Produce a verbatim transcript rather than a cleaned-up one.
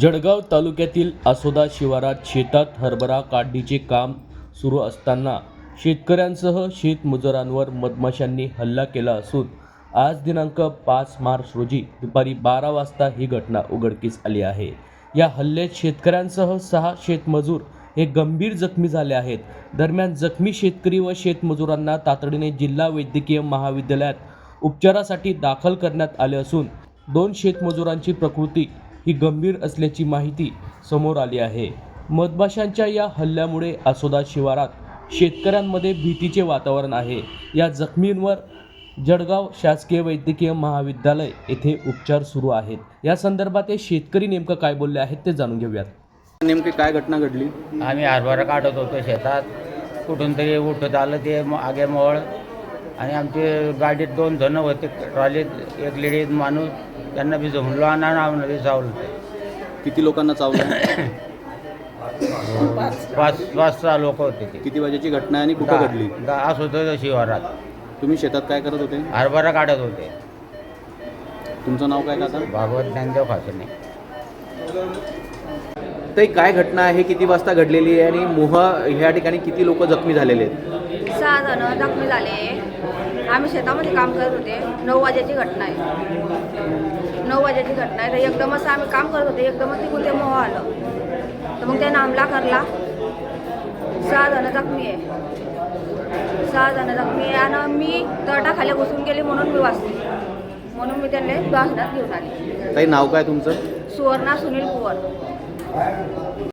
जळगाव तालुक्यातील आसोदा शिवारात शेतात हरभरा काढणीचे काम सुरू असताना शेतकऱ्यांसह शेतमजुरांवर मधमाशांनी हल्ला केला असून आज दिनांक पाच मार्च रोजी दुपारी बारा वाजता ही घटना उघडकीस आली आहे। या हल्ल्यात शेतकऱ्यांसह सहा शेतमजूर हे गंभीर जखमी झाले आहेत। दरम्यान जखमी शेतकरी व शेतमजुरांना तातडीने जिल्हा वैद्यकीय महाविद्यालयात उपचारासाठी दाखल करण्यात आले असून दोन शेतमजुरांची प्रकृती ही गंभीर असल्याची माहिती समोर आली आहे। मधमाशांच्या या हल्ल्यामुळे आसोदा शिवारात शेतकऱ्यांमध्ये भीतीचे वातावरण आहे। या जखमींवर जळगाव शासकीय वैद्यकीय महाविद्यालय येथे उपचार सुरू आहेत। या संदर्भात हे शेतकरी नेमकं काय बोलले आहेत ते जाणून घेऊयात। नेमकी काय घटना घडली? आम्ही हरभरा काढत होतो शेतात, कुठून तरी उठत आलं ते आगे मोळ आणि आमचे गाडीत दोन जण होते, ट्रॉलीत एक लेडीज माणूस, त्यांना बी जमलो आणि आम्हाला बी चावलं। किती लोकांना चावलं? पाच पाच सहा लोक होते ते। किती वाजेची घटना आहे आणि कुठं घडली? असं होतं शिवारात, तुम्ही शेतात काय करत होते? हरभरा काढत होते। तुमचं नाव काय काका? भागवत ज्ञानदेव खासने। ते काय घटना आहे, किती वाजता घडलेली आहे आणि मोह ह्या ठिकाणी किती लोक जखमी झालेले आहेत? सहा जण जखमी झाले। आम्ही शेतामध्ये काम करत होते। नऊ वाजेची घटना आहे। नऊ वाजेची घटना आहे। तर एकदम असं आम्ही काम करत होते, एकदमच तिकडून ते मोह आलं, तर मग त्यानं हमला करला। सहा जण जखमी आहे। सहा जण जखमी आहे आणि मी तटाखाली घुसून गेली म्हणून मी वाचली, म्हणून मी त्यांना दवाखान्यात घेऊन आले। काही नाव काय तुमचं? सुवर्णा सुनील कुवर।